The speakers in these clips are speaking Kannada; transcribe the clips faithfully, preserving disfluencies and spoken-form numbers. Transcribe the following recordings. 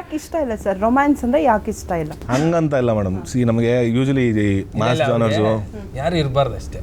ಯಾಕೆ ಇಷ್ಟ ಇಲ್ಲ ಸರ್ ರೊಮ್ಯಾನ್ಸ್ ಅಂದ್ರೆ ಯಾಕೆ ಇಷ್ಟ ಇಲ್ಲ ಹಂಗಂತ ಇಲ್ಲ ಮೇಡಮ್. ಸಿ ನಮಗೆ ಯೂಶಲಿ ಮಾಸ್ ಜಾನರ್ಸು ಯಾರು ಇರಬಾರ್ದು ಅಷ್ಟೇ.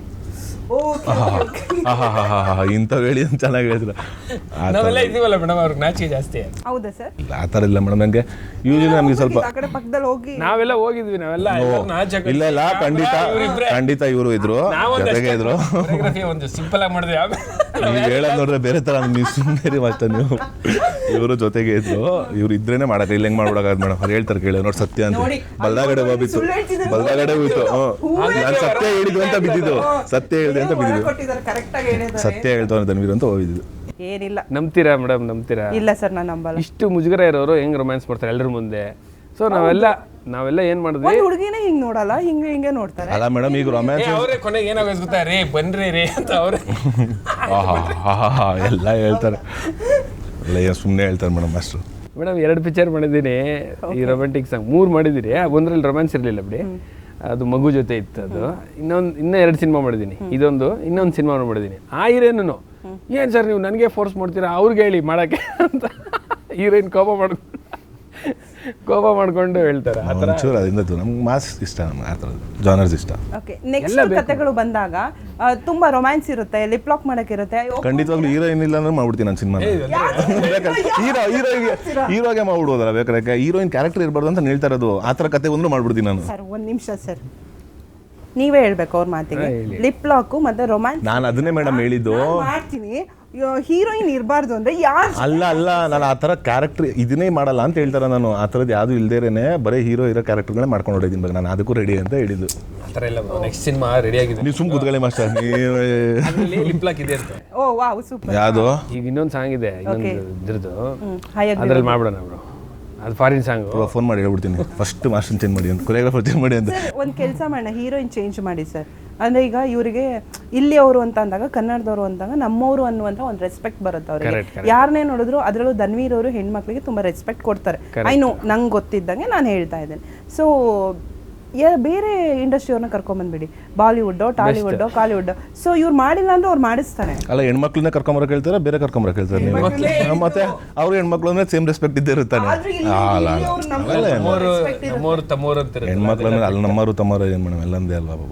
ಇಂಥವು ಹೇಳಿ ಅಂತ ಚೆನ್ನಾಗಿ ಹೇಳಿದ್ರು. ನಾವೆಲ್ಲ ಇದೀವಲ್ಲ ಮೇಡಮ್, ಅವ್ರಿಗೆ ನಾಚಿಕೆ ಜಾಸ್ತಿ. ಹೌದಾ ಸರ್? ಆ ಥರ ಇಲ್ಲ ಮೇಡಮ್. ನನಗೆ ಯೂಶಲಿ ನಮಗೆ ಸ್ವಲ್ಪ ಆ ಕಡೆ ಪಕ್ಕದಲ್ಲಿ ಹೋಗಿ ನಾವೆಲ್ಲ ಹೋಗಿದ್ವಿ, ನಾವೆಲ್ಲ ಇಲ್ಲ ಇಲ್ಲ ಖಂಡಿತ ಖಂಡಿತ ಇವರು ಇದ್ರು ಜೊತೆಗೆ ಇದ್ರು. ಒಂದು ಸಿಂಪಲ್ ಆಗಿ ಮಾಡಿದ್ವಿ. ನೀವು ಹೇಳೋದು ನೋಡಿದ್ರೆ ಬೇರೆ ಥರ ನೀವು ಸುಮ್ಮನೆ ಅಷ್ಟೇ. ನೀವು ಇವರು ಜೊತೆಗೆ ಇದ್ರು, ಇವ್ರು ಇದ್ರೇನೆ ಮಾಡಕ್ಕೆ ಇಲ್ಲ ಹೆಂಗೆ ಮಾಡ್ಬಿಡೋದು ಮೇಡಮ್. ಅವ್ರು ಹೇಳ್ತಾರೆ ಕೇಳಿ ನೋಡಿ ಸತ್ಯ ಅಂತ ಬಲ್ದಾಗಡೆ ಹೋಗ್ಬಿತ್ತು ಬಲ್ದಾಗಡೆ ಹೋಯ್ತು. ನಾನು ಸತ್ಯ ಹೇಳಿದ್ದು ಅಂತ ಬಿದ್ದಿದ್ದು, ಸತ್ಯ ಹೇಳಿದೆ ಅಂತ ಬಿದ್ದಿದ್ದು, ಸತ್ಯ ಹೇಳ್ತಾನೆ ಧನ್ವೀರ್ ಅಂತ ಹೋಗಿದ್ದು. ಏನಿಲ್ಲ. ನಂಬ್ತೀರಾ ಮೇಡಮ್? ನಂಬ್ತೀರಾ? ಇಲ್ಲ ಸರ್ ನಾನು ನಂಬಲ್ಲ. ಇಷ್ಟು ಮುಜುಗರ ಇರೋರು ಹೆಂಗ್ ರೊಮ್ಯಾನ್ಸ್ ಮಾಡ್ತಾರೆ ಎಲ್ಲರ ಮುಂದೆ? ಸೊ ನಾವೆಲ್ಲ ನಾವೆಲ್ಲ ಏನ್ ಮಾಡಿದ್ವಿ, ಹುಡುಗಿನೇ ಹಿಂಗ್ ನೋಡಲ್ಲ, ಹಿಂಗೆ ಹಿಂಗೆ ನೋಡ್ತಾರೆ. ಅಲ್ಲ ಮೇಡಮ್ ಈಗ ರೊಮ್ಯಾನ್ಸ್ ಅವರೇ ಕೊನೆಗೆ ಏನಾಗೋದು ಗೊತ್ತಾ, ರೇ ಬನ್ರಿ ರೇ ಅಂತ ಅವ್ರೆ ಎಲ್ಲ ಹೇಳ್ತಾರೆ. ಎಲ್ಲ ಸುಮ್ಮನೆ ಹೇಳ್ತಾರೆ ಮೇಡಮ್ ಅಷ್ಟು. ಮೇಡಮ್ ಎರಡು ಪಿಕ್ಚರ್ ಮಾಡಿದ್ದೀನಿ ಈ ರೊಮ್ಯಾಂಟಿಕ್ ಸಾಂಗ್, ಮೂರು ಮಾಡಿದ್ದೀರಿ. ಒಂದ್ರಲ್ಲಿ ರೊಮ್ಯಾನ್ಸ್ ಇರಲಿಲ್ಲ ಬಿಡಿ, ಅದು ಮಗು ಜೊತೆ ಇತ್ತು. ಅದು ಇನ್ನೊಂದು ಇನ್ನೂ ಎರಡು ಸಿನಿಮಾ ಮಾಡಿದ್ದೀನಿ, ಇದೊಂದು ಇನ್ನೊಂದು ಸಿನಿಮಾ ಮಾಡಿದ್ದೀನಿ. ಆ ಹೀರೋಯಿನು ಏನು ಸರ್ ನೀವು ನನಗೆ ಫೋರ್ಸ್ ಮಾಡ್ತೀರಾ ಅವ್ರಿಗೆ ಹೇಳಿ ಮಾಡೋಕ್ಕೆ ಅಂತ ಹೀರೋಯಿನ್ ಕೋಪ ಮಾಡ್ಕೊಂಡು ಕೋಪ ಮಾಡ್ಕೊಂಡು ಹೇಳ್ತಾರೆ. ಆ ಥರ ಒಂಚೂರು ಅದರಿಂದ ನಮ್ಗೆ ಮಾಸ್ ಇಷ್ಟ, ನಮ್ಗೆ ಆ ಥರದ್ದು ಜಾನರ್ಸ್ ಇಷ್ಟ. ಓಕೆ, ನೆಕ್ಸ್ಟ್ ಕಥೆಗಳು ಬಂದಾಗ ಆ, ತುಂಬಾ ರೊಮ್ಯಾನ್ಸ್ ಇರುತ್ತೆ, ಲಿಪ್ ಲಾಕ್ ಮಾಡಕ್ಕಿರುತ್ತೆ. ಖಂಡಿತವಾಗ್ಲೂ ಹೀರೋಯಿನ್ ಇಲ್ಲ ಅಂದ್ರೆ ಮಾಡ್ಬಿಡ್ತೀನಿ ನಾನು ಸಿನಿಮಾ. ಹೀರೋ ಹೀರೋಗೆ ಹೀರೋಗೆ ಮಾಡ್ಬಿಡ್ಬೋದಲ್ಲ ಬೇಕಾದ್ರೆ. ಹೀರೋಯಿನ್ ಕ್ಯಾರೆಕ್ಟರ್ ಇರಬಾರ್ದು ಅಂತ ಹೇಳ್ತಾ ಇರೋದು. ಆ ಥರ ಕತೆ ಒಂದು ಮಾಡ್ಬಿಡ್ತೀನಿ ನಾನು. ಸರ್ ಒಂದು ನಿಮಿಷ ಸರ್, ನೀವೇ ಹೇಳ್ಬೇಕು ಅವ್ರ ಮಾತಿಗೆ. ಲಿಪ್ ಲಾಕು ಮತ್ತೆ ರೊಮ್ಯಾನ್ಸ್ ನಾನು ಅದನ್ನೇ ಮೇಡಮ್ ಹೇಳಿದ್ದು. ಮಾಡ್ತೀನಿ, ಹೀರೋಯಿನ್ ಇರಬಾರ್ದು ಅಂದ್ರೆ ಯಾರು? ಅಲ್ಲ ಅಲ್ಲ ನಾನು ಆ ಥರ ಕ್ಯಾರೆಕ್ಟರ್ ಇದನ್ನೇ ಮಾಡಲ್ಲ ಅಂತ ಹೇಳ್ತಾರೆ. ನಾನು ಆ ಥರದ್ದು ಯಾವುದು ಇಲ್ದೇನೆ ಬರೀ ಹೀರೋ ಇರೋ ಕ್ಯಾರೆಕ್ಟರ್ಗಳೇ ಮಾಡ್ಕೊಂಡು ಹೊಡಿದ್ದೀನಿ. ಬಗ್ಗೆ ನಾನು ಅದಕ್ಕೂ ರೆಡಿ ಅಂತ ಹೇಳಿದ್ದು. ಆ ಥರ ಇಲ್ಲ, ನೆಕ್ಸ್ಟ್ ಸಿನಿಮಾ ರೆಡಿ ಆಗಿದೆ. ನೀವು ಸುಮ್ ಕೂತ್ಕೊಳ್ಳಿ ಮಾಸ್ಟರ್. ನೀವು ಲಿಪ್ ಲಾಕ್ ಇದೆ ಅಂತ. Oh wow super. ಯಾವುದು ಈಗ ಇನ್ನೊಂದು ಸಾಂಗ್ ಇದೆ, ಇನ್ನೊಂದು ಇದ್ರದ್ದು, ಅದ್ರಲ್ಲಿ ಮಾಡ್ಬಿಡೋಣ ಬ್ರೋ. ಅದು ಫಾರಿನ್ ಸಾಂಗ್. ಫೋನ್ ಮಾಡಿ ಹೇಳ್ಬಿಡ್ತೀನಿ ಫಸ್ಟ್ ಮಾಸ್ಟರ್ ಚೇಂಜ್ ಮಾಡಿ ಅಂತ, ಕೊರಿಯೋಗ್ರಾಫರ್ ಚೇಂಜ್ ಮಾಡಿ ಅಂತ. ಒಂದು ಕೆಲಸ ಮಾಡೋಣ, ಹೀರೋಯಿನ್ ಚೇಂಜ್ ಮಾಡಿ ಸರ್. ಅಂದರೆ ಈಗ ಇವರಿಗೆ ಇಲ್ಲಿ ಅವರು ಅಂತ ಅಂದಾಗ, ಕನ್ನಡದವರು ಅಂದಾಗ ನಮ್ಮವರು ಅನ್ನುವಂಥ ಒಂದು ರೆಸ್ಪೆಕ್ಟ್ ಬರುತ್ತೆ ಅವ್ರಿಗೆ. ಯಾರನ್ನೇ ನೋಡಿದ್ರು, ಅದರಲ್ಲೂ ಧನ್ವೀರ್ ಅವರು ಹೆಣ್ಮಕ್ಳಿಗೆ ತುಂಬ ರೆಸ್ಪೆಕ್ಟ್ ಕೊಡ್ತಾರೆ. ಐ ನೋ, ನಂಗೆ ಗೊತ್ತಿದ್ದಂಗೆ ನಾನು ಹೇಳ್ತಾ ಇದ್ದೇನೆ. ಸೊ ಬೇರೆ ಇಂಡಸ್ಟ್ರಿಯವ್ರನ್ನ ಕರ್ಕೊಂಬಂದ್ಬಿಡಿ, ಬಾಲಿವುಡ್ಡೋ ಟಾಲಿವುಡ್ಡೋ ಕಾಲಿವುಡ್ಡೋ. ಸೊ ಇವ್ರು ಮಾಡಿಲ್ಲ ಅಂದ್ರೆ ಅವ್ರು ಮಾಡಿಸ್ತಾನೆ. ಅಲ್ಲ ಹೆಣ್ಮಕ್ಳನ್ನ ಕರ್ಕೊಂಬರಕ್ ಹೇಳ್ತಾರೆ, ಬೇರೆ ಕರ್ಕೊಂಬರಕ್ ಹೇಳ್ತಾರೆ ನೀವು. ಮತ್ತೆ ಅವ್ರ ಹೆಣ್ಮಕ್ಳು ಅಂದ್ರೆ ಸೇಮ್ ರೆಸ್ಪೆಕ್ಟ್ ಇದ್ದೇ ಇರ್ತಾನೆ. ನಮ್ಮೋರು ತಮ್ಮೋರು ಅಂತಾರೆ. ಹೆಣ್ಮಕ್ಳು ಅಂದ್ರೆ ಅಲ್ಲಿ ನಮ್ಮರು ತಮ್ಮರು ಏನು ಮೇಡಮ್ ಎಲ್ಲಂದೇ ಅಲ್ವಾ ಬಾಬು.